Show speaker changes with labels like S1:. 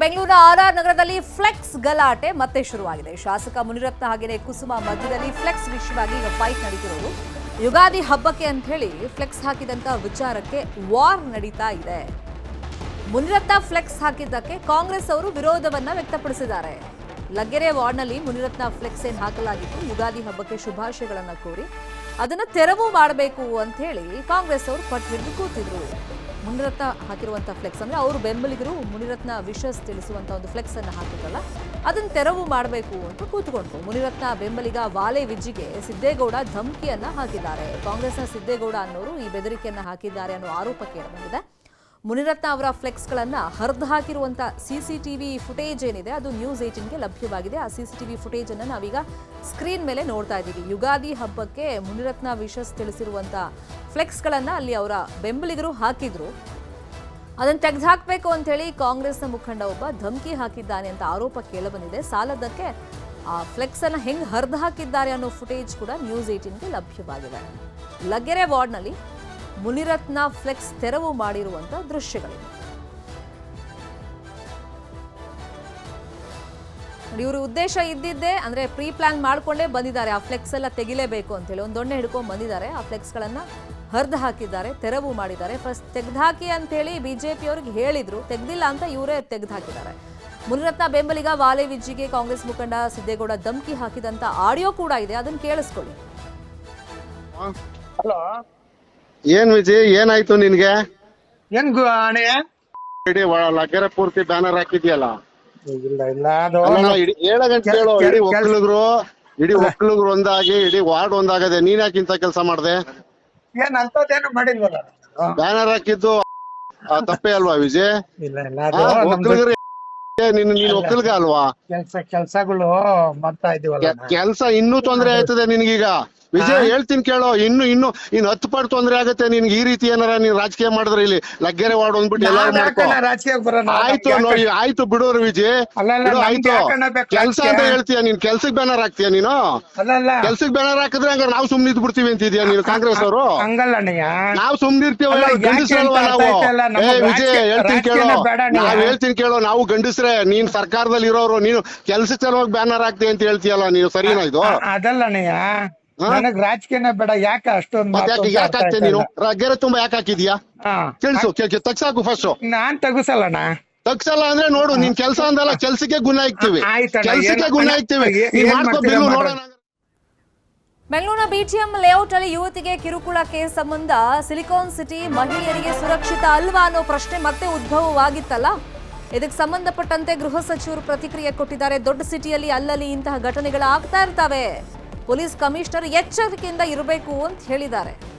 S1: ಬೆಂಗಳೂರಿನ ಆರ್ ನಗರದಲ್ಲಿ ಫ್ಲೆಕ್ಸ್ ಗಲಾಟೆ ಮತ್ತೆ ಶುರುವಾಗಿದೆ. ಶಾಸಕ ಮುನಿರತ್ನ ಹಾಗೆಯೇ ಕುಸುಮ ಮಧ್ಯದಲ್ಲಿ ಫ್ಲೆಕ್ಸ್ ವಿಷಯವಾಗಿ ಈಗ ಫೈಟ್ ನಡೀತಿರೋದು. ಯುಗಾದಿ ಹಬ್ಬಕ್ಕೆ ಅಂತ ಹೇಳಿ ಫ್ಲೆಕ್ಸ್ ಹಾಕಿದಂತ ವಿಚಾರಕ್ಕೆ ವಾರ್ ನಡೀತಾ ಇದೆ. ಮುನಿರತ್ನ ಫ್ಲೆಕ್ಸ್ ಹಾಕಿದ್ದಕ್ಕೆ ಕಾಂಗ್ರೆಸ್ ಅವರು ವಿರೋಧವನ್ನ ವ್ಯಕ್ತಪಡಿಸಿದ್ದಾರೆ. ಲಗ್ಗೆರೆ ವಾರ್ಡ್ನಲ್ಲಿ ಮುನಿರತ್ನ ಫ್ಲೆಕ್ಸ್ ಏನ್ ಹಾಕಲಾಗಿತ್ತು, ಯುಗಾದಿ ಹಬ್ಬಕ್ಕೆ ಶುಭಾಶಯಗಳನ್ನ ಕೋರಿ ಅದನ್ನ ತೆರವು ಮಾಡಬೇಕು ಅಂತ ಹೇಳಿ ಕಾಂಗ್ರೆಸ್ ಅವರು ಪಟ್ಟು ಹಿಡಿದು ಕೂತಿದ್ರು. ಮುನಿರತ್ನ ಹಾಕಿರುವಂತಹ ಫ್ಲೆಕ್ಸ್ ಅಂದ್ರೆ ಅವರು ಬೆಂಬಲಿಗರು ಮುನಿರತ್ನ ವಿಶಸ್ ತಿಳಿಸುವಂತಹ ಒಂದು ಫ್ಲೆಕ್ಸ್ ಅನ್ನು ಹಾಕಿದ್ರಲ್ಲ, ಅದನ್ನ ತೆರವು ಮಾಡಬೇಕು ಅಂತ ಕೂತ್ಕೊಂಡ್ರು. ಮುನಿರತ್ನ ಬೆಂಬಲಿಗ ವಾಲೆ ವಿಜ್ಜಿಗೆ ಸಿದ್ದೇಗೌಡ ಧಮಕಿಯನ್ನ ಹಾಕಿದ್ದಾರೆ. ಕಾಂಗ್ರೆಸ್ನ ಸಿದ್ದೇಗೌಡ ಅನ್ನೋರು ಈ ಬೆದರಿಕೆಯನ್ನ ಹಾಕಿದ್ದಾರೆ ಅನ್ನೋ ಆರೋಪ ಕೇಳಿಬಂದಿದೆ. ಮುನಿರತ್ನ ಅವರ ಫ್ಲೆಕ್ಸ್ಗಳನ್ನ ಹರಿದು ಹಾಕಿರುವಂತ ಸಿಸಿಟಿವಿ ಫುಟೇಜ್ ಏನಿದೆ ಅದು ನ್ಯೂಸ್ 18ಗೆ ಲಭ್ಯವಾಗಿದೆ. ಆ ಸಿಸಿಟಿವಿ ಫುಟೇಜ್ ಅನ್ನು ನಾವೀಗ ಸ್ಕ್ರೀನ್ ಮೇಲೆ ನೋಡ್ತಾ ಇದ್ದೀವಿ. ಯುಗಾದಿ ಹಬ್ಬಕ್ಕೆ ಮುನಿರತ್ನ ವಿಶಸ್ ತಿಳಿಸಿರುವಂತ ಫ್ಲೆಕ್ಸ್ಗಳನ್ನ ಅಲ್ಲಿ ಅವರ ಬೆಂಬಲಿಗರು ಹಾಕಿದ್ರು. ಅದನ್ನು ತೆಗೆದುಹಾಕಬೇಕು ಅಂತ ಹೇಳಿ ಕಾಂಗ್ರೆಸ್ನ ಮುಖಂಡ ಒಬ್ಬ ಧಮಕಿ ಹಾಕಿದ್ದಾನೆ ಅಂತ ಆರೋಪ ಕೇಳಬಂದಿದೆ. ಸಾಲದಕ್ಕೆ ಆ ಫ್ಲೆಕ್ಸ್ ಅನ್ನ ಹೆಂಗ್ ಹರಿದು ಹಾಕಿದ್ದಾರೆ ಅನ್ನೋ ಫುಟೇಜ್ ಕೂಡ ನ್ಯೂಸ್ 18ಗೆ ಲಭ್ಯವಾಗಿದೆ. ಲಗ್ಗೆರೆ ವಾರ್ಡ್ನಲ್ಲಿ ಮುನಿರತ್ನ ಫ್ಲೆಕ್ಸ್ ತೆರವು ಮಾಡಿರುವಂತ ದೃಶ್ಯಗಳಿವೆ. ಇವ್ರ ಉದ್ದೇಶ ಇದ್ದಿದ್ದೇ ಅಂದ್ರೆ ಪ್ರೀ ಪ್ಲಾನ್ ಮಾಡ್ಕೊಂಡೇ ಬಂದಿದ್ದಾರೆ. ಆ ಫ್ಲೆಕ್ಸ್ ಎಲ್ಲ ತೆಗಿಲೇಬೇಕು ಅಂತ ಹೇಳಿ ಒಂದು ದೊಣ್ಣೆ ಹಿಡ್ಕೊಂಡು ಬಂದಿದ್ದಾರೆ. ಆ ಫ್ಲೆಕ್ಸ್ ಗಳನ್ನ ಹರಿದು ಹಾಕಿದ್ದಾರೆ, ತೆರವು ಮಾಡಿದ್ದಾರೆ. ಫಸ್ಟ್ ತೆಗೆದುಹಾಕಿ ಅಂತ ಹೇಳಿ ಬಿಜೆಪಿ ಅವ್ರಿಗೆ ಹೇಳಿದ್ರು, ತೆಗ್ದಿಲ್ಲ ಅಂತ ಇವರೇ ತೆಗೆದು ಹಾಕಿದ್ದಾರೆ. ಮುನಿರತ್ನ ಬೆಂಬಲಿಗ ವಾಲೆ ವಿಜ್ಜಿಗೆ ಕಾಂಗ್ರೆಸ್ ಮುಖಂಡ ಸಿದ್ದೇಗೌಡ ಧಮಕಿ ಹಾಕಿದಂತ ಆಡಿಯೋ ಕೂಡ ಇದೆ, ಅದನ್ನ ಕೇಳಿಸ್ಕೊಳ್ಳಿ.
S2: ಹಲೋ,
S3: ಏನ್ ವಿಜಯ್, ಏನಾಯ್ತು ನಿನ್ಗೆ?
S2: ಏನ್ ಅಣೆ
S3: ಇಡೀ ಲಗ್ಗೆರೆ ಪೂರ್ತಿ ಬ್ಯಾನರ್ ಹಾಕಿದ್ಯಲ್ಲ?
S2: ಇಲ್ಲ ಇಲ್ಲ, ಅದು
S3: ಏಳ ಗಂಟೆ ಹೇಳು. ಇಡೀ ಒಕ್ಕಲಿಗರು ಒಂದಾಗಿ ಇಡೀ ವಾರ್ಡ್ ಒಂದಾಗದೆ. ನೀನ್ ಯಾಕಿಂತ ಕೆಲಸ ಮಾಡ್ದೆ?
S2: ಏನ್ ಅಂತದೇನು ಮಾಡಿಲ್ವಲ್ಲ.
S3: ಬ್ಯಾನರ್ ಹಾಕಿದ್ದು ತಪ್ಪೇ ಅಲ್ವಾ ವಿಜಯ್?
S2: ಇಲ್ಲ ಇಲ್ಲ, ಅದು ನಮ್ದು
S3: ಒಕ್ಕಲಿಗರು ನೀನ್ ಒಕ್ಕಲಿಗ ಅಲ್ವಾ?
S2: ಕೆಲ್ಸಗಳು ಮಾಡ್ತಾ ಇದೀವಲ್ಲ.
S3: ಕೆಲ್ಸ ಇನ್ನೂ ತೊಂದ್ರೆ ಆಯ್ತದೆ ನಿನ್ಗೀಗ ವಿಜಯ್. ಹೇಳ್ತೀನಿ ಕೇಳೋ, ಇನ್ನು 10 ಪಟ್ಟು ತೊಂದ್ರೆ ಆಗತ್ತೆ ನಿನ್ಗೆ. ಈ ರೀತಿ ಏನಾರ ನೀನ್ ರಾಜಕೀಯ ಮಾಡಿದ್ರೆ ಇಲ್ಲಿ ಲಗ್ಗೆರೆ ವಾರ್ಡ್ ಒಂದ್ಬಿಟ್ಟು ಎಲ್ಲಾರು ಮಾಡ್ಕೊ.
S2: ರಾಜಕೀಯ ಬರೋಣ.
S3: ಆಯ್ತು ನೋಡಿ, ಆಯ್ತು ಬಿಡೋರು ವಿಜಯ್, ಆಯ್ತು. ಕೆಲ್ಸ ಅಂತ ಹೇಳ್ತೀಯ ನೀನ್, ಕೆಲ್ಸಕ್ ಬ್ಯಾನರ್ ಹಾಕ್ತೀಯ ನೀನು?
S2: ಅಲ್ಲ,
S3: ಕೆಲ್ಸಕ್ ಬ್ಯಾನರ್ ಹಾಕಿದ್ರೆ ಹಂಗಾರೆ ನಾವು ಸುಮ್ನೆ ಇದ್ ಬಿಡ್ತೀವಿ ಅಂತಿದ್ಯಾ ನೀನು? ಕಾಂಗ್ರೆಸ್ ಅವರು
S2: ಹಂಗಲ್ಲಣ್ಣಯ್ಯ,
S3: ನಾವು ಸುಮ್ನಿರ್ತೀವ? ಗಂಡಸ್ರಲ್ವಾ ನಾವು? ವಿಜಯ್ ಹೇಳ್ತೀನಿ ಕೇಳೋ, ನಾವ್ ಹೇಳ್ತೀನಿ ಕೇಳೋ, ನಾವು ಗಂಡಸ್ರೆ. ನೀನ್ ಸರ್ಕಾರದಲ್ಲಿ ಇರೋರು, ನೀನು ಕೆಲ್ಸಕ್ಕೆ ಸಲುವಾಗಿ ಬ್ಯಾನರ್ ಹಾಕ್ತಿ ಅಂತ ಹೇಳ್ತೀಯಲ್ಲ ನೀನು? ಸರಿನಾ ಇದು?
S2: ಅದಲ್ಲಣ್ಣಯ್ಯ, ನನಗ್ ರಾಜಕೀಯನೇ ಬೇಡ. ಯಾಕೆ ಅಷ್ಟೊಂದು
S3: ಯಾಕೆ ಹಾಕ್ತೇ ನೀನು? ಲಗ್ಗೆರೆ ತುಂಬಾ ಯಾಕೆ ಹಾಕಿದ್ಯಾ? ತಿಳಿಸು, ತಗ್ಸಾಕು ಫಸ್ಟ್.
S2: ನಾನ್ ತಗಸಲ್ಲಣ್ಣ.
S3: ತಗ್ಸಲ್ಲ ಅಂದ್ರೆ ನೋಡು, ನೀನ್ ಕೆಲ್ಸ ಅಂದಲ್ಲ, ಕೆಲ್ಸಕ್ಕೆ ಗುಣ ಇಕ್ತಿವಿ, ಕೆಲ್ಸಕ್ಕೆ ಗುಣ ಇಕ್ತಿವಿ. ನೀನ್ ಮಾಡ್ಕೋ ಬಿಲ್ಲು ನೋಡೋಣ.
S1: ಬೆಂಗಳೂರಿನ ಬಿಟಿಎಂ ಲೇಔಟ್ ಅಲ್ಲಿ ಯುವತಿಗೆ ಕಿರುಕುಳ ಕೇಸ್ ಸಂಬಂಧ ಸಿಲಿಕಾನ್ ಸಿಟಿ ಮಹಿಳೆಯರಿಗೆ ಸುರಕ್ಷಿತ ಅಲ್ವಾ ಅನ್ನೋ ಪ್ರಶ್ನೆ ಮತ್ತೆ ಉದ್ಭವವಾಗಿತ್ತಲ್ಲ. ಇದಕ್ಕೆ ಸಂಬಂಧಪಟ್ಟಂತೆ ಗೃಹ ಸಚಿವರು ಪ್ರತಿಕ್ರಿಯೆ ಕೊಟ್ಟಿದ್ದಾರೆ. ದೊಡ್ಡ ಸಿಟಿಯಲ್ಲಿ ಅಲ್ಲಲ್ಲಿ ಇಂತಹ ಘಟನೆಗಳು ಆಗ್ತಾ ಇರ್ತವೆ, ಪೊಲೀಸ್ ಕಮಿಷನರ್ ಎಚ್ಚರಿಕೆಯಿಂದ ಇರಬೇಕು ಅಂತ ಹೇಳಿದ್ದಾರೆ.